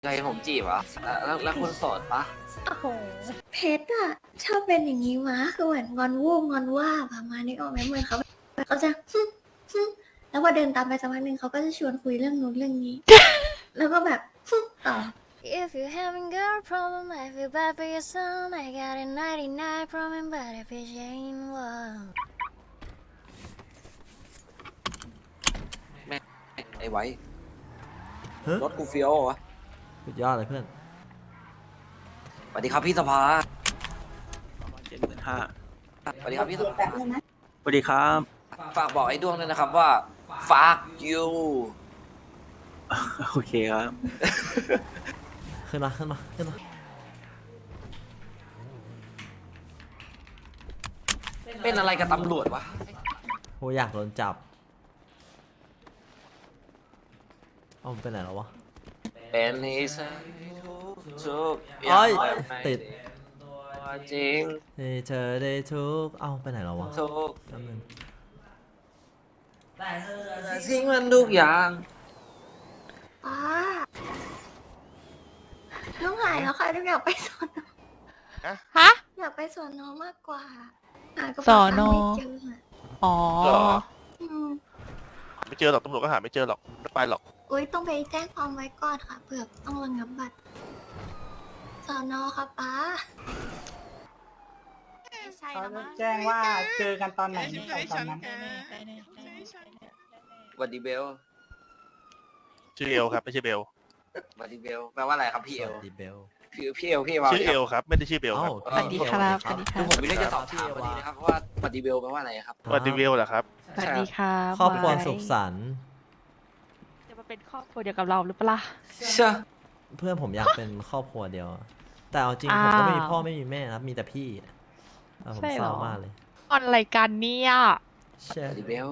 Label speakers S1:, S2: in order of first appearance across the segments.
S1: ใจผมจีบเหรอแล้วคุณโสดปะ
S2: โอ้โหเพชรอะชอบเป็นอย่างนี้วะคือเหมือนงอนวูบงอนว่าประมาณนี้ออกไหมเหมือนเขาจะแล้วพอเดินตามไปสักพักหนึ่งเขาก็จะชวนคุยเรื่องนู้นเรื่องนี้ แล้วก็แบบต่อ If you having girl problem I feel bad for your son I got a 99 problem but if it ain't one
S1: แม่ไอ้ไว้
S3: ฮะ
S1: รถกูเฟี้ยววะ
S3: สุดยอดเลยเพื่อน
S1: สวัสดีครับพี่สภา
S4: 75,000
S1: สวัสดีครับพี่สภา
S4: สวัสดีครับ
S1: ฝากบอกไอ้ดวงด้วยนะครับว่า fuck you
S4: โอเคครับ
S3: ขึ้นมาขึ้นมาขึ้นมา
S1: เป็นอะไรกับตำรวจวะ
S3: โหอยากโดนจับ เอามันไปไหนแล้ววะ
S1: เป็นนิสัยทุกอ
S3: โอ้
S1: ย่าง
S3: ย
S1: แบบไม่
S3: ติด
S1: ตัวจริง
S3: ให้เธอได้ทุกเอาไปไหนแล้ววะ
S1: ทุก
S3: แป๊บนึง
S1: ทิ้งมันทุกอย่าง
S2: ป้าน้องหายแล้วค่ะน้องอยากไปสอนอ
S5: ฮะ
S2: อยากไปสอนอมากกว่าหากระ
S5: ส
S2: เป๋า
S5: อ
S2: ตัง
S5: นอ
S2: ค์ไม่เจออะ
S5: อ๋อ
S6: เหรอ
S2: อืม
S6: ไม่เจอหรอกตำรวจก็หาไม่เจอหรอกไม่ไปหรอก
S2: อุ้ยต้องไปแจ้งความไว้ก่อนค่ะเผื่อต้องระงับบัตรสอนอค่ะป้า
S5: ใช่
S7: เขา
S5: แล้ว
S7: จะ
S5: มั้ง
S7: แจ้งว่าเจอกันตอนไหนไปตอนนั้น
S1: สวัสดีเบล
S6: ชื่อเอลครับไม่ใช่เบล
S1: สวัสดีเบลแปลว่าอะไรครับพี่
S3: ส
S1: เอล
S3: วัสดีเบล
S1: พี่เอลพี่มา
S6: ชื่อเอลครับไม่ได้ชื่อเบลครับ
S3: เอ้า
S5: สวัสดีครับสวัสดีค
S1: คื
S5: รั
S1: อบ ผมมีเรื่องจะสอบถามพอดีนะครับว่าสวัสดีเบลแปลว่าอะไรครับ
S6: สวัสดีเบลเหรอครับ
S5: สวัสดีครับ
S3: ครอบครัว
S5: ไว้
S3: สุขสันต์
S5: จะมาเป็นครอบครัวเดียวกับเราหรือเปล่า
S1: เชื่อ
S3: เพื่อนผมอยากเป็นครอบครัวเดียว แต่เอาจริงผม
S5: อ้าว
S3: ก็ไม่มีพ่อไม่มีแม่นะครับมีแต่พี่ผม
S5: ใช่
S3: เศ
S5: เหรอ
S3: ร้ามากเลย
S5: ออนอะไรกันเนี่ย
S3: เช่
S1: สวัสดีเบล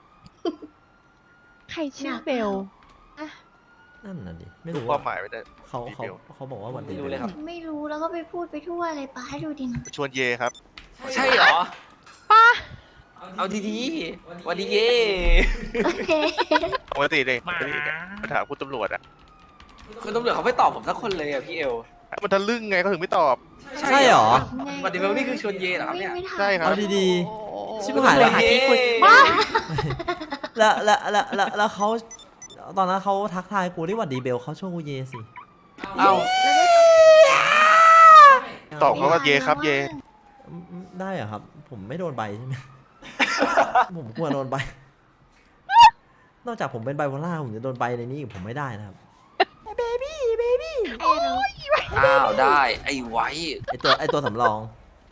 S5: ใครชื่อเบล
S3: นั่นน่ะดิไม่
S6: รู้
S3: รู้
S6: ความ
S3: ว่า
S6: หมายไม่ได้
S3: เขาบอกว่าวันดี
S1: ไม่รู้เลยครับ
S2: ไม่รู้แล้วก็ไปพูดไปทั่วเลยป้าให้ดูดินะ
S6: ชวนเยครับ
S1: ใช่เหรอ
S5: ป้า
S1: เอาดีๆสวัสดีเย่
S2: โอเค
S6: ปกติเลยไปถามคุณตำรวจอ่ะ
S1: คุณตำรวจเขาไม่ตอบผมสักคนเลยอะพี่เอล
S6: มันทะลึ่งไงเขาถึงไม่ตอบ
S3: ใช่เหรอ
S1: สวัสดีเบลนี่คือชวนเย่เหรอครับเนี่ย
S2: ไม่ทัน
S6: ใช่ครับ
S3: เอาดี
S5: โอ้โห
S3: ชิบหายแล้ว
S5: หาที่คุย
S1: ป้า
S3: ๆแล้วเขาตอนนั้นเขาทักทายกูที่หวัดดีเบลเขาช่วงกูเยสิ
S1: เอา
S6: ตอบเขาว่าเยครับเย
S3: ได้เหรอครับ ผมไม่โดนใบใช่ไหม ผมกลัวโดนใบ นอกจากผมเป็นไบโพล่าผมจะโดนใบในนี้ผมไม่ได้นะครับ เบบี้เบบี้
S2: ไอ้เรา
S1: อ้าวได้ไอ้ไว้
S3: ไอตัวสำรอง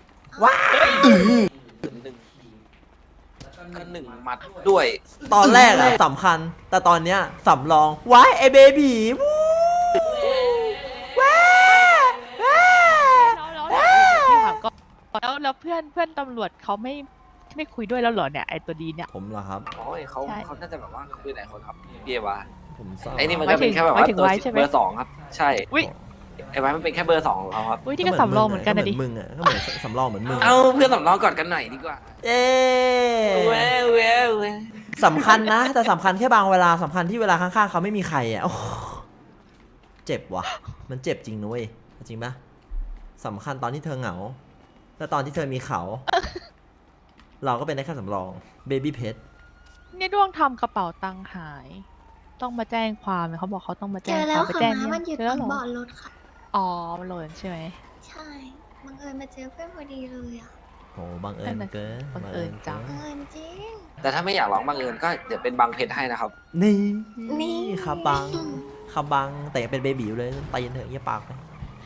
S1: หนึ่งก็หนึ่งหมัดด้วย
S3: ตอนแรกอะสำคัญ แต่ตอนเนี้ยสำรองว้ายไอเบบี้วู้ว้าว้า
S5: แล้วพี่ถามก็แล้วเพื่อนตำรวจเขาไม่คุยด้วยแล้วเหรอเนี่ยไอตัวดีเนี่ย
S3: ผมเหรอครับ
S1: โอ้ยเขา
S5: ใช่
S1: น่าจะแบบว่าคุยหลายคนครับพี่เอวา
S3: ผมเศร้า
S1: ไอ้นี่มันก็เป็นแค่แบบว่า
S5: หมายถึง
S1: ตัว
S5: ไว้ใช่ไหม
S1: เบอร์สองครับ ใช่
S5: อุ้ย
S1: ไอ้ไว้มันเป็นแค่เบอร์สองของเขาครับ
S5: อุ้ยนี่ก็สำรองเหมือนกันนะดิ
S3: มึงอะก็เหมือนสำรองเหมือนมึง
S1: เอาเพื่อนสำรองก่อนกันหน่อยดีกว่า
S3: เอ๊
S1: เว้ยเว้ยเว้ย
S3: สำคัญนะ แต่สำคัญแค่บางเวลาสำคัญที่เวลาข้างๆเขาไม่มีใครอ่ะโอ้โหเจ็บว่ะ มันเจ็บจริงนะเว้ยจริงปะสำคัญตอนที่เธอเหงา แต่ตอนที่เธอมีเขา เราก็เป็นได้แค่สำรองเบบี้เพ
S5: เนี่ยด้วงทำกระเป๋าตังค์หาย ต้องมาแจ้งความเขาบอกเขาต้องมา
S2: เจ
S5: แจ้ง
S2: อ
S5: ค
S2: แล้ว
S5: วามไป
S2: ค่ะ
S5: แจ้ง
S2: ม้า
S5: เนี่ย
S2: มันอยู่
S5: เจ
S2: ต
S5: อ
S2: รง
S5: เหรอ
S2: เบาะรถค่ะ
S5: อ๋อมันหล่นใช่ไหม
S2: ใช่บังเอิญมาเจอเพื่อนพอดีเลยอ่ะ
S3: โหบังเอิญเกิน
S5: บังเอิญจัง
S2: บังเอิญจริง
S1: แต่ถ้าไม่อยากร้องบังเอิญก็เดี๋ยวเป็นบางเพชรให้นะครับ
S3: นี่
S2: นี่
S3: ครับบังครับบังแต่ยังเป็นเบบีอยู่เลยตีนเถอะเยี่ยปากไป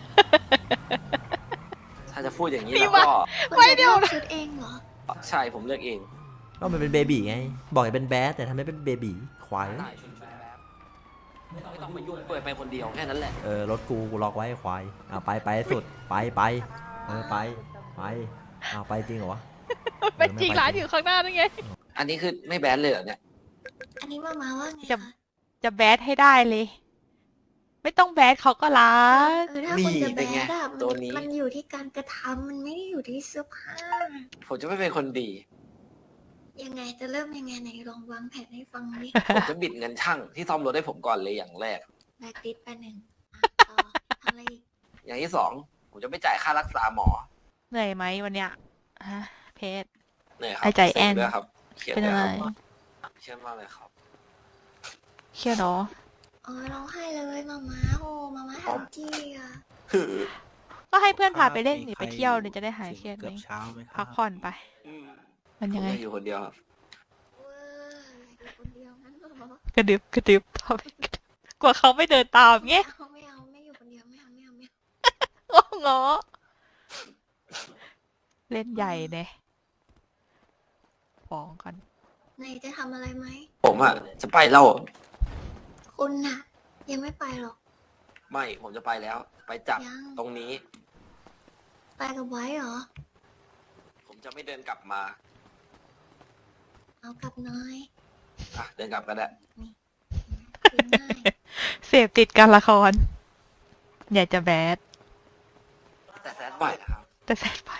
S1: ถ้าจะพูดอย่างนี้
S5: พี่
S1: แล้วก็
S2: คุณจะเลือกชุดเองเหรอ
S1: ใช่ผมเลือกเอง
S3: ก็มันเป็นเบบีไง บอกให้เป็นแบดแต่ทำให้เป็นเบบีควาย
S1: ได้ชุดแป๊บไม่ต้องมายุ่งเปิดไปคนเดียวแค่นั้นแหละ
S3: รถกูล็อกไว้ไอ้ควายไปให้สุดไปไปจริงเหรอวะ
S5: เป็นจริงร้านอยู่ข้างหน้านั่นไง
S1: อันนี้คือไม่แบนเลยเหรอเนี่ย
S2: อันนี้มาว่าไง
S5: จะ
S2: คะ
S5: จะแบดให้ได้เลย ไม่ต้องแบดเขาก็รัก
S2: ถ้าคุณจะแบ
S1: เป็นไง
S2: ดอะ
S1: ตัวนี้
S2: มันอยู่ที่การกระทำมันไม่ได้อยู่ที่เสื้อผ้า
S1: ผมจะไม่เป็นคนดี
S2: ยังไงจะเริ่มยังไงไหนลองวางแผนให้ฟังดิ
S1: ผมจะบิดเงินช่างที่ซ่อมรถให้ผมก่อนเลยอย่างแรก
S2: แบกติดไปหนึ่ง
S1: อย่างที่สองผมจะไม่จ่ายค่ารักษาหมอ
S5: เหนื่อยไหมวันเนี้ยฮะเพชร
S1: เหนื่อยครั
S5: ไอ้ใจแอ้น
S1: เสร็จด้วยครับเครียด
S5: เป็น
S1: ด้วย
S5: อะไร
S1: ครับเครียดมากเลยครับ
S5: เครียดเหรอ
S2: ร้องไห้เลยมาม่าโอ้มาม่าแฮปปี้อ่ะ
S5: ก็ให้เพื่อนพาไปเล่นหรือไปเที่ยวเดี๋ยวจะได้หายเครียดไหม
S4: เกือบเช้าไหมค
S5: พั
S4: รั
S5: ก
S4: บ
S5: ผ่อนไป มัน
S1: ผ
S5: ยัง
S1: ม
S5: ไง
S1: อยากอยู่คนเดียวครับ
S2: เว้ยอยู่คนเดียวงั้นเหรอก
S5: ระดึบกระดึบพอไปกระดึบกลัวเขาไม่เดินตามเงี้ย
S2: ไม่เอาไม่อยู่คนเดียวไม่เอาไม่เอาไม่เอา
S5: โอ้งอเล่นใหญ่เนี่ยฟ้องกัน
S2: ไหนจะทำอะไรไหม
S1: ผมอ่ะจะไปแล้ว
S2: คุณน่ะ ยังไม่ไปหรอก
S1: ไม่ผมจะไปแล้ว ไปจับ
S2: ยัง
S1: ตรงนี้
S2: ไปกับไว้เหรอ
S1: ผมจะไม่เดินกลับมา
S2: เอากลับหน้อย
S1: อ่ะเดินกลับก็ได้
S2: คืนง่าย
S5: เสพติดการละคร อยากจะแบด
S1: แต่แซดบ่อยนะครับ
S5: แต่แซดไป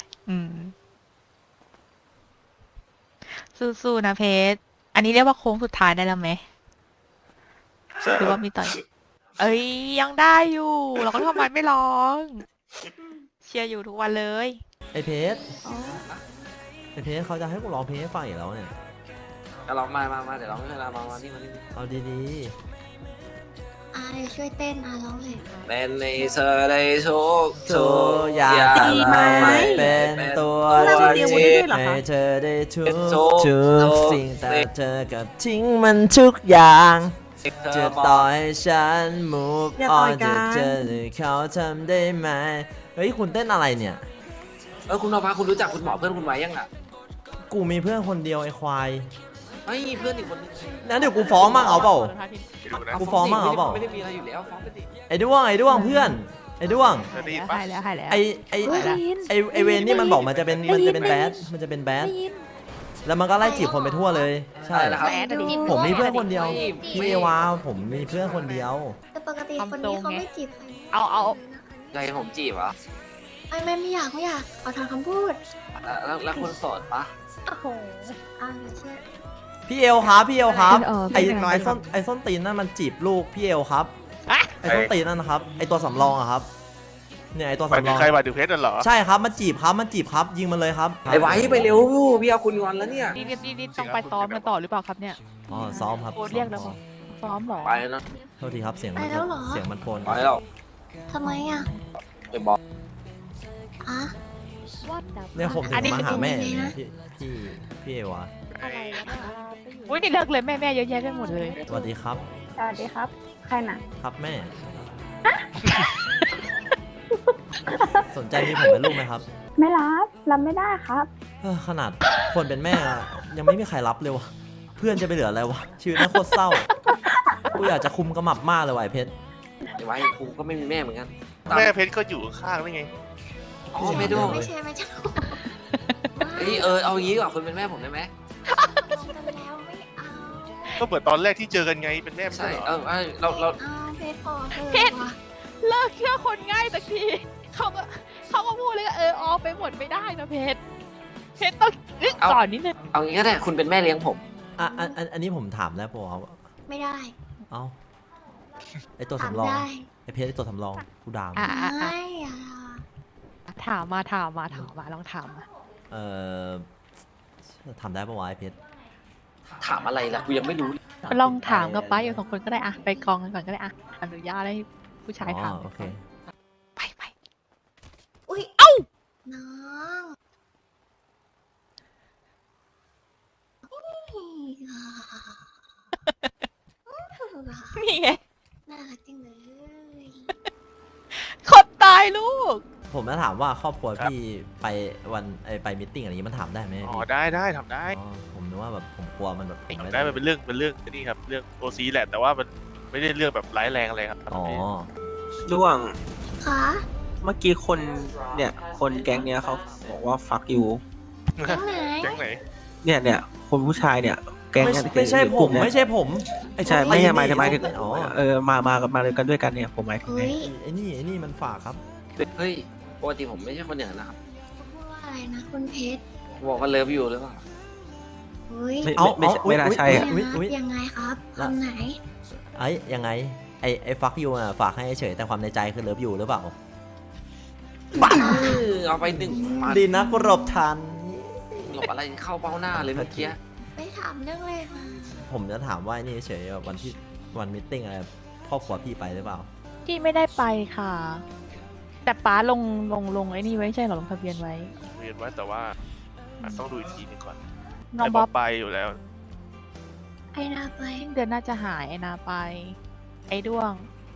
S5: สู้ๆนะเพชร อันนี้เรียกว่าโค้งสุดท้ายได้แล้วไหม หรือว่ามีต่อย เอ้ยยังได้อยู่ เราก็ทำไมไม่ร้อง เชียร์อยู่ทุกวันเลย
S3: ไอเพชรไอเพชรเขาจะให้กูร้องเพลงให้ฟังอีกแล้วเนี่ย
S1: ก็ร้องมาเดี๋ยวร้องให้เรามานี่มานี่
S3: เอาดี
S2: เดี๋ยวช่วยเต้นร้องเลย
S1: เป็นในเธอได้ทุก
S3: ๆทุกอย่าง
S2: ดีไหม
S3: เป็นตัว
S2: เรา
S3: จ
S2: เตรี
S3: ริ
S2: ยม
S3: ง
S2: ไว้ด้วยเหรอคะ
S3: ให้เธอได้ทุ
S1: เป็น
S3: ก
S1: ทุก
S3: สิ่งแต่เธอกับทิ้งมันทุกอย่าง
S1: เธอ
S3: จะ
S1: บ
S3: ต่
S1: อ
S3: อก ให้ฉัน move
S2: อย่าต่อย
S3: on
S2: กั
S3: จะ
S2: น
S3: เจอหรือเขาทำได้ไหมเฮ้ยคุณเต้นอะไรเนี่ย
S1: คุณนภาคุณรู้จักคุณหมอเพื่อนคุณไว้ยังอ่ะ
S3: กูมีเพื่อนคนเดียวไอ้ควาย
S1: ไม่เพื่อนอีกคนนึง
S3: งั้นเดี๋ยวกูฟ้องมั่งเอาเปล่า
S6: ไปดูนะ
S3: กูฟ้องมั่งเอาเปล่า
S1: ไม่ได้มีอะไรอยู่แล้วฟ้องไปสิ
S3: ไอ้ด้วงเพื่อนไอ้ด้วง
S6: เธอได้ยินปะ
S5: หายแล้วหายแล้ว
S3: ไอเวนนี่มันบอกมันจะเป็นแบดมันจะเป็นแบดแล้วมันก็ไล่จีบคนไปทั่วเลย ใช่
S1: อะไรนะครับ
S5: แบดอะดิ
S3: ผมมีเพื่อนคนเดียว
S1: ไม่
S3: พี่เอวาผมมีเพื่อนคนเดียว
S2: แต่ปกติคนนี้เขาไม่จีบใคร
S5: เอา
S1: ใจผมจีบเหรอ
S2: ไม่อยากขอถอนคำพูด
S1: แล้วคุณโสดปะ
S2: โอ้โหเดี๋ยวเชื่อ
S3: พี่เอลครับไอ
S5: เป็นไร
S3: ไอส้นตีนนั่นมันจีบลูกพี่เอลครับ
S5: อะ
S3: ไอส้นตีนนั่นนะครับไอตัวสำรองอะครับเนี่ยไอตัว
S6: หมาย
S3: สำร
S6: ถึ
S3: อง ง
S6: ใครหมายถึงเพชรน่ะเหรอ
S3: ใช่ครับมันจีบครับยิงมันเลยครับ
S1: ไอ้ไว้ไปเร็วพี่เอาคุณงอนแล้วเนี่ย
S5: นี่ต้องไปซ้อมกันต่อหรือเปล่าครับเนี่ย
S3: อ๋อซ้อมครับ
S5: โค้ชเรียกแล้วเหรอ ซ้อมเหรอ
S1: ไปแล้วนะ
S3: โทษทีครับเสียงมัน
S2: ไปแล้วเหรอ
S3: เสียงมันโฟน
S1: ไปแล้ว
S2: ทำไมอ่ะ
S1: ไปบอก
S2: อ่ะ
S3: เนี่ยผมถึ
S5: อัน
S3: ง
S5: นี้
S3: มาหาแม่
S2: เป็นยังไงนะ
S3: พี่เอวา
S5: อุ้ยนี่เลิกเลยแม่เยอะแยะไปหมดเลย
S3: สวัสดีครับ
S8: สวัสดีครับ ใครน่ะ
S3: ครับแม่ สนใจมีผมเป็นลูกไหมครับ
S8: ไม่รับไม่ได้ครับ
S3: ขนาดคนเป็นแม่ยังไม่มีใครรับเลยวะเพื่อนจะไปเหลืออะไรวะชีวิตน่าโคตรเศร้ากูอยากจะคุมกระหมับมากเลยว่ะไอ้เพชร
S1: ไอ้ไว้กูก็ไม่มีแม่เหมือนกัน
S6: แม่เพชรก็อยู่ข้างๆนี่ไง
S1: อ๋อไม่ดู
S2: ไม่ใช่
S1: เฮ้ยเอางี้ดีกว่าคุณเป็นแม่ผมได้ไหม
S2: ลงกันแล้วไม่เอา
S6: ก็เหมือนตอนแรกที่เจอกันไงเป็นแม่ไม่
S1: ใช่
S6: ใช่เหรอ
S1: เรา
S2: เอาเพชรพอเถอะ
S5: เพชร เลิกเชื่อคนง่ายสักทีเขาก็พูดเลยออกไปหมดไม่ได้นะเพชรต้องนึกก่อนนิดนึง
S1: เอางี้ก็ได้คุณเป็นแม่เลี้ยงผม
S3: อันนี้ผมถามได้ปะครับ
S2: ไม่ได้
S3: เอ้าไอตัว
S2: ถาม
S3: สำรอง
S2: ได้
S3: ไอเพชรไอตัวสำรองกูด่ามึง
S2: ไม่อะ
S5: ถามมาลองถามมา
S3: ทำได้ปะวะไอเพชร
S1: ถามอะไรล่ะกูยังไม่รู้
S5: ไปลองถามกับป้าอยู่2 คนก็ได้อะไปกองกันก่อนก็ได้อะอนุญาตให้ผู้ชายถาม
S3: โอเค
S5: ไป
S2: อุ้ย
S5: เอ้า
S2: น้อง
S5: นี่ไง
S2: น่ารักจังเลย
S5: คนตายลูก
S3: ผมจะถามว่าครอบครัวพี่ไปไปมิทติ้งอะไรอย่างงี้มันถามได้ไหม
S6: อ๋อ
S3: พี่
S6: ได้ทำได้
S3: อ๋อผมนึกว่าแบบผมกลัวมันแบบผม
S6: ทำ
S3: ไม่
S6: ได้มันเป็นเรื่องนี่ครับเรื่องโอซีแหละแต่ว่ามันไม่ได้เรื่องแบบร้ายแรงอะไรครับ
S3: อ๋อ
S4: ด้วง
S2: คะ
S4: เมื่อกี้คนเนี่ยคนแก๊งเนี้ยเขาบอกว่าฟักอยู่
S2: แก๊งไหน
S6: แก๊งไหน
S4: เนี่ยคนผู้ชายเนี่ยแก๊ง
S3: ไม่
S4: เนี่ย
S3: ไม่ใช่
S4: ก
S3: ผ
S4: ลุ่
S3: ม
S4: เนี่ย
S3: ไม่ใช่ผมไอ้
S4: ใช่
S3: ส้น
S4: ไม่
S3: ตีน
S4: ใช่หมายถึง
S3: อ๋อ
S4: มาเลยกันด้วยกันเนี่ยผมหมายถึง
S2: เฮ้
S4: ไง
S2: ย
S3: ไอ้นี่มันฝากครับ
S1: เฮ้ยปกติผมไม่ใช่คนอย่างนั้นนะครับ
S2: พูดว่าอะไรนะคุณเพชร
S1: บอกว่าเลิฟอยู่หรือเปล่า
S2: เฮ้ย
S4: ไม่น่าใช่อะ
S2: ยังไงครับคำไหน
S3: ไอ้ยังไงไอ้ฟักยูอ่ะฝากให้เฉยแต่ความในใจคือเลิฟอยู่หรือเปล่า
S1: เอาไปหนึ่งหมัด
S3: ดีนะกูหลบทัน
S1: หลบอะไรเข้าเบ้าหน้าเลยเมื่อกี้
S2: ไม่ถามเรื่องเลยมา
S3: ผมจะถามว่านี่เฉยๆแบบวันมิทติ้งอะไรครอบครัวพี่ไปหรือเปล่า
S5: ที่ไม่ได้ไปค่ะ แต่ป้าลงไอ้นี่ไว้ใช่เหรอลงทะเบียนไว้
S6: เรียนไว้แต่ว่าต้องดูอีกทีหนึงก่อน
S5: น้อง
S6: แต่
S5: บ๊อบ
S6: ไปอยู่แล้ว
S2: ไอ้นาไป
S5: สิ้นเดือนน่าจะหายไอ้นาไป ไอ้ด้วง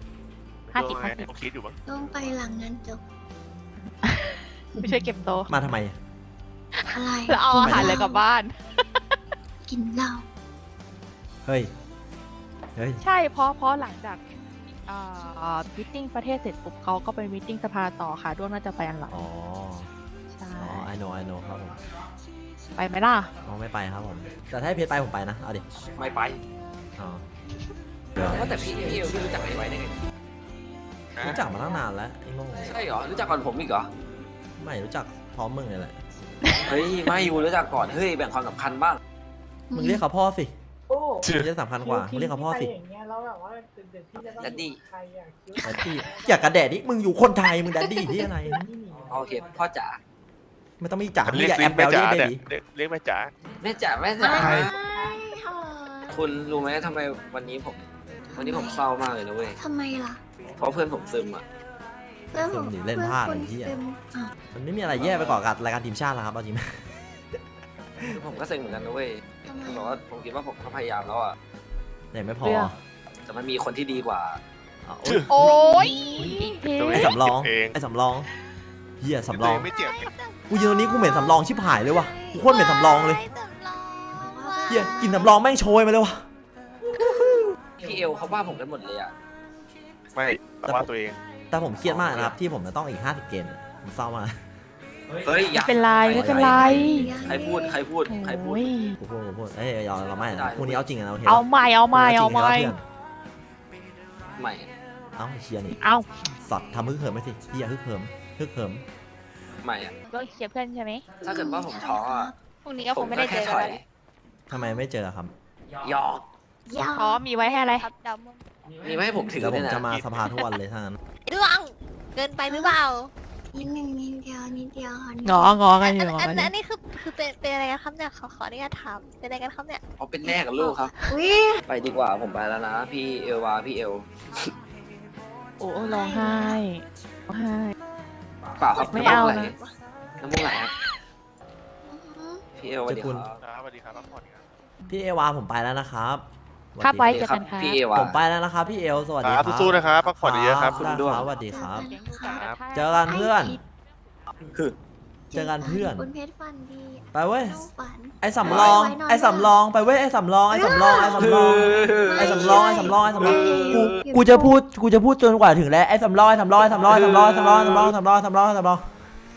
S5: 50
S6: ต้องไงต้องคิดอยู่บ้าง
S2: ต้องไปหลังงานจบ
S5: ไม่ช่วยเก็บโต๊ะ
S3: มาทำไม
S2: อะไร
S5: แล้วเอาอาหารเลยกลับบ้าน
S2: กินเหล้า
S3: เฮ้ย เฮ้ย
S5: ใช่เพราะหลังจากมิทติ้งประเทศเสร็จปุ๊บเขาก็ไปมิทติ้งสภาต่อค่ะด้วงน่าจะไปอันหลัง
S3: อ๋อ
S5: ใช่
S3: อ๋อ I know ครับผม
S5: ไปไหมล่ะ
S3: อ๋อไม่ไปครับผม แต่ถ้าให้เพชรไปผมไปนะ เอาดิ
S1: ไม่ไป
S3: อ๋อ
S1: ว่าแต่พี่เอลพี่รู้จักไอ้ไว้ได้ไง
S3: รู้จักมาตั้งนานแล้วไอ้โง่
S1: ใช่เหรอรู้จักก่อนผมอีกเหรอ
S3: ไม่รู้จักพร้อมมึงเลยแหละ
S1: เฮ้ยไม่อยู่รู้จักก่อนเฮ้ยแบ่งความสำคัญบ้าง
S3: มึงเรียกเขาพ่อสิ
S7: โอ้
S3: มึงเรียกสำคัญกว่า มึงเรียกเขาพ่อสิ
S7: อย่างเงี้ยแล้วแบบว่าเดี๋ยวพี่จะต้อง
S1: แดดดี้
S7: ใครอ่ะคิ้ว
S3: แดดดี้อยากกระแดดนี่มึงอยู่คนไทย มึงแดดดี้ที่อะไร
S1: โอเคพ่อจ๋า
S3: ไม่ต้องมีจ๋ามึง
S6: เรียก
S3: อย่าแอ
S6: เรีย
S3: บ
S6: ก
S3: แบ
S6: แม่
S3: ล
S6: จ๋า
S3: ลี่เบ
S6: เนี่ย
S3: บี
S6: เรียกแม่จ๋า
S1: แม่จ๋าแม่จ๋า
S2: ใช่ค่ะ
S1: คุณรู้ไหมทำไมวันนี้ผมเศร้ามากเลยนะเว้ย
S2: ทำไมล่ะ
S1: เพราะเพื่อนผมซึมอ่ะ
S2: เพื่อนผม
S3: เล่นพลาด
S2: ค
S3: ไอ้
S2: น
S3: เหี้ย
S2: ซึมอ่ะ
S3: มันไม่มีอะไรแย่ไปกว่ากับรายการทีมชาติแล้วครับเอาจริงไหม
S1: ผมก็ซึมเหมือนกันนะเว้ย
S2: ทำไม
S1: ผมบอกว่าผมคิดว่าผมก็พยายามแล้วอ่ะ
S3: แต่ไม่พอ
S5: เรื่อง
S1: แต่มันมีคนที่ดีกว่า
S3: อ๋อ
S5: โอ้ยเพ
S6: ตัว
S3: ไอ้
S6: เง
S3: สำรอง
S6: เอง
S3: ไอ้สำรองเฮียสำร
S6: ตัว
S3: อ
S6: เอง งไม่เจ็บ
S3: กูยืนตรงนี้กูเหม็นสำรองชิบหายเลยว่ะกูโคตรเหม็นสำรองเลยเฮียกินสำรองแม่งโชยมาเลยว่ะ
S1: พี่เอลเขาว่าผมกันหมดเลยอ่ะ
S6: ไม่แต่ว่าตัวเอง
S3: แต่ผมเครียดมากนะครับที่ผมจะต้องอีก50 เกมผมเศร้ามาก
S1: เฮ้ยอย่า
S5: ไม่เป็นไรไม่เป็นไร
S1: ใครพูด
S5: โอ้ย
S3: กูพูดเอ้ยเราไม่นะพรุ่งนี้เอาจริงนะโอเค
S5: เอาใหม่เอาใหม่เอาใหม่
S1: ใหม่
S3: เอ้าเชียร์นี่
S5: เอา
S3: สัตว์ทำฮึกเหิมไหมสิเฮียฮึกเหิม
S1: ใหม่อะ
S5: ก็เคลียร์เพื่อนใช่ไหม
S1: ถ้าเกิดว่าผมท้ออะ
S5: พรุ่งนี้ก็ค
S1: ผ
S5: ง
S1: ม
S5: ไม่
S1: ก็
S5: ได้เจ
S1: แค่
S5: อ
S1: ถ
S5: กัน
S1: อย
S5: แล้ว
S3: ทำไมไม่เจอครับ
S1: หยอก
S2: ยาว
S5: อ๋อมีไว้ให้อะไร
S1: มีไม่ให้ผมถือ
S3: เดี๋ยวผ
S1: ด้ว
S3: ม
S1: ยนะ
S3: จะมาสภาทุกวันเลยถ้างั้น
S9: ดวงเกินไปหรือเปล่า
S2: นิดนึงนิดเดียวค่ะนิด
S5: งอกันอยู่งอ
S9: อั
S5: กันอยู่
S9: นนี้คือเป็นอะไรกันครับเนี่ยขออนุญาตถามเป็นอะไรกันครับเนี่ย
S1: เอาเป็นแม่กับลูกครับ
S2: อุ้ย
S1: ไปดีกว่าผมไปแล้วนะ พี่เอลวาพี่เอล
S5: โอ้ร้องไห้ร้องไห้
S1: เปล่าครับ
S5: ไม่เอานะ
S1: น้ำมูกไหลครับพี่เอลสวัสดีครับ
S6: ครับสวัสดีครับพักผ่อนครับ
S3: พี่เอวาผมไปแล้วนะครับสวัส
S5: ครับ
S3: ดี
S5: ไว้
S1: สวัสดี
S5: เจอ
S1: ครั
S5: กันค่ะ
S1: พี่เอวา
S3: ผมไปแล้วนะครับพี่เอลสวัสดี
S6: ค
S3: ค
S6: รั
S3: รั
S6: บบ สู้ๆนะครับพักผ่อนเยอะๆครับ
S3: ได้ครับสวัสดีครับ
S5: เลี้ยงดูกันกระทั่ง
S3: เจอกันเพื่อน
S1: คือ
S3: เจอกันเพื่อน
S2: คุณเพชรฝันดี
S3: ไปเว้ย
S2: เข้าฝัน
S3: ไอ้สำรองไอ้สำรองไปเว้ยไอ้สำรองไอ้สำรองไอ้สำรองไอ้สำรองไอ้สำรองไอ้สำรองกูจะพูดจนกว่าถึงแล้วไอ้สำรองไอ้สำรองไอ้สำรองไอ้สำรองไอ้สำรองไอ้สำรองไอ้สำรองไอ้สำรองไอ้สำรอง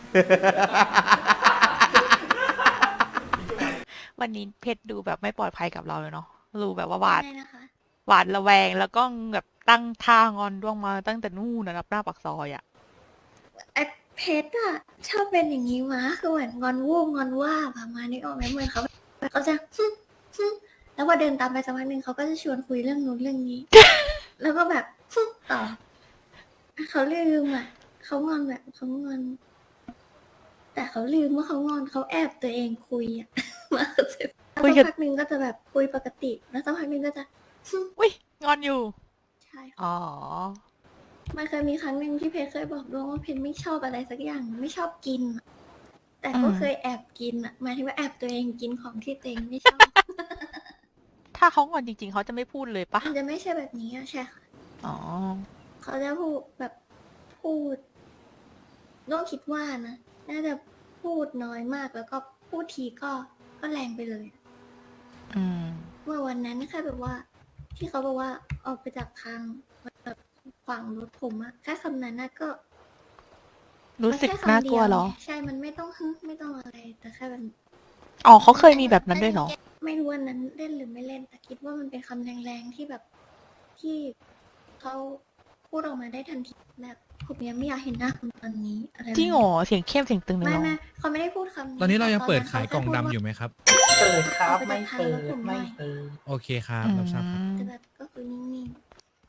S5: วันนี้เพชรดูแบบไม่ปลอดภัยกับเราเลยเนาะดูแบบว่าหวาด
S2: ได้นะคะ
S5: หวาดระแวงแล้วก็แบบตั้งท่างอนด้วงมาตั้งแต่นู่นนะครับหน้าปากซอยอ่ะ
S2: ไอ้เพชรอะชอบเป็นอย่างนี้มาคือเหมือนงอนวูบงอนว่าประมาณนี้ออกไหมเหมือนเขาจะแล้วพอเดินตามไปสักพักหนึ่งเขาก็จะชวนคุยเรื่องนู้นเรื่องนี้ แล้วก็แบบต่อเขาลืมอ่ะเขางอนแบบเขางอน แต่เขาลืมว่าเขางอนเขาแอบตัวเองคุยอ่ะ มาเสร็จแล้ว
S5: คุย
S2: สั
S5: กับ
S2: กพักหนึ่งก็จะแบบคุยปกติ แล้วสักพักหนึ่งก็จะ
S5: อุ้ยงอนอยู่
S2: ใช่ค่ะ
S5: อ๋อ
S2: มันเคยมีครั้งหนึ่งที่เพชรเคยบอกดวงว่าเพชรไม่ชอบอะไรสักอย่างไม่ชอบกินอะแต่ก็เคยแอบกินอ่ะหมายถึงว่าแอบตัวเองกินของที่ตัวเองไม่ชอบ
S5: ถ้าเขางอนจริงๆเขาจะไม่พูดเลยปะ
S2: มันจะไม่ใช่แบบนี้อะใช่ค่ะ
S5: อ๋อ
S2: เขาจะพูดแบบพูดน้องคิดว่านะน่าจะพูดน้อยมากแล้วก็พูดทีก็แรงไปเลย
S5: อืม
S2: เมื่อวันนั้นแค่แบบว่า ที่เขาบอกว่าออกไปจากทางแบบขวางรถผมอะแค่คำนั้นนะก็
S5: รู้สึกน่ากลัวเหรอ
S2: ใช่มันไม่ต้องไม่ต้องอะไร แต่แค่แบบ
S5: อ๋อเขาเคยมีแบบนั้นด้วยเหรอ
S2: ไม่รู้ว่านั้นเล่นหรือไม่เล่น แต่คิดว่ามันเป็นคำแรงๆที่แบบที่เขาพูดออกมาได้ทันทีแบบผมยังไม่อยากเห็นหน้าคุณตอนนี้อะไรแบบ
S5: จริ
S2: นี้
S5: งเหรอเสียงเข้มเสียงตึงเลย
S2: ไม่
S5: เหรอ
S2: ไม่เขาไม่ได้พูดคำนี้
S10: ตอนนี้เรายังเปิด
S2: ต
S10: ขายกล่องดำอยู่ไหมครับ
S7: เปิดครับไม่เปิดไม่เปิด
S10: โอเคครับรับทราบครับ
S2: แต่แบบก็คือนิ่ง
S5: แต่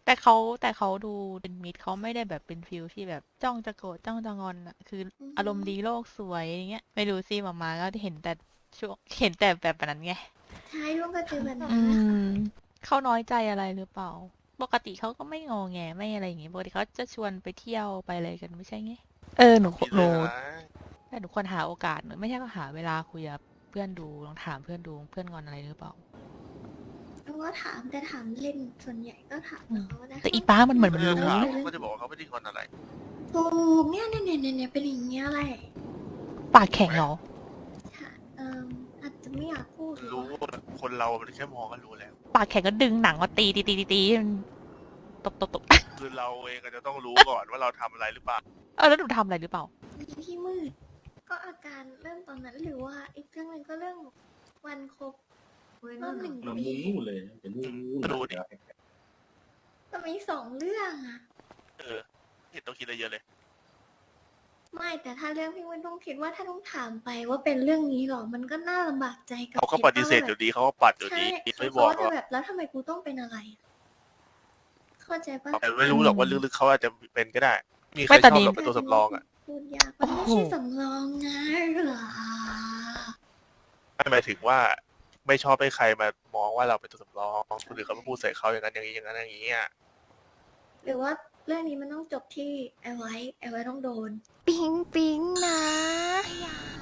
S5: แต่เขาดูเป็นมิตรเขาไม่ได้แบบเป็นฟิลที่แบบจ้องจะโกรธจ้องจะงอนอะคืออารมณ์ดีโลกสวยอย่างเงี้ยไม่รู้สิหมาก็เห็นแต่เห็นแต่แบบนั้นไง
S2: ใช่ร่วมก็เจอแบบนั้น
S5: อื
S2: แหละค่ะ
S5: มเขาน้อยใจอะไรหรือเปล่า ปกติเขาก็ไม่งอแงไม่อะไรอย่างงี้ปกติเขาจะชวนไปเที่ยวไปอะไรกันไม่ใช่ไงหนู
S6: มีเรื่องอะไร
S5: แต่หนูควรหาโอกาสหนูไม่ใช่ก็หาเวลาคุยกับเพื่อนดูลองถามเพื่อนดูเพื่อนงอนอะไรหรือเปล่า
S2: แล้วก็ถามแต่ถามเล่นส่วนใหญ่ก็ถามเขานะ
S5: แต่อีป้ามันเหมือนมัน
S6: เรื่อง
S5: รู้
S6: ถาม
S5: เลย
S6: เขาก็จะบอกว่าเขาไม่ได้งอนอะไร
S2: ถูกเนี่ยเป็นอย่างเงี้ยแหละ
S5: ปากแข็งเหรอ
S2: ค่ะอาจจะไม่อยากพูดหร
S6: รู้
S2: อก
S6: ว่าคนเรามันแค่มองก็รู้แล้ว
S5: ปากแข็งก็ดึงหนังมาตีมันตบ
S6: คือเราเองก็จะต้องรู้ก่อนว่าเราทำอะไรหรือเปล่า
S5: แล้วหนูทำอะไรหรือเปล่า
S2: พี่มืด ก็อาการเริ่มตอนนั้นหรือว่าอีกเรื่องหนึ่งก็เรื่องวันครบรอบ1 ปี
S6: ดูดิ
S2: แต่มี2 เรื่องอะ
S6: เห็นต้องคิดอะไรเยอะเลย
S2: ไม่แต่ถ้าเรื่องพี่มืดต้องคิดว่าถ้าต้องถามไปว่าเป็นเรื่องนี้หรอมันก็น่าลำบากใจกับ
S6: เขาก็ปฏิเสธอยู่ดีเขาก็ปัดอยู่
S2: ใช่
S6: ดี
S2: เขา
S6: ไม่บอก
S2: จะ
S6: ว่า
S2: แบบแล้วทำไมกูต้องเป็นอะไรอะเข้าใจปะ
S6: แต่ไม่รู้หรอกว่าลึกๆเขาอาจจะเป็นก็ได้ มีใคร
S5: ไม่
S6: ช
S5: แต่
S6: อบ
S5: นี่
S6: หรอกเป็นตัวสำรองอ่ะ
S2: พูดยากมันไม่ใช่สำรองนะเหรอ
S6: หมายถึงว่าไม่ชอบให้ใครมามองว่าเราเป็นตัวสำรองคนอื่นเขามาพูดใส่เขาอย่างนั้นอย่างนี้อย่างนั้นอย่างนี้อ่ะ
S2: หรือว่าเรื่องนี้มันต้องจบที่ไอไว้ต้องโดน
S9: ปิ๊งปิ๊งนะ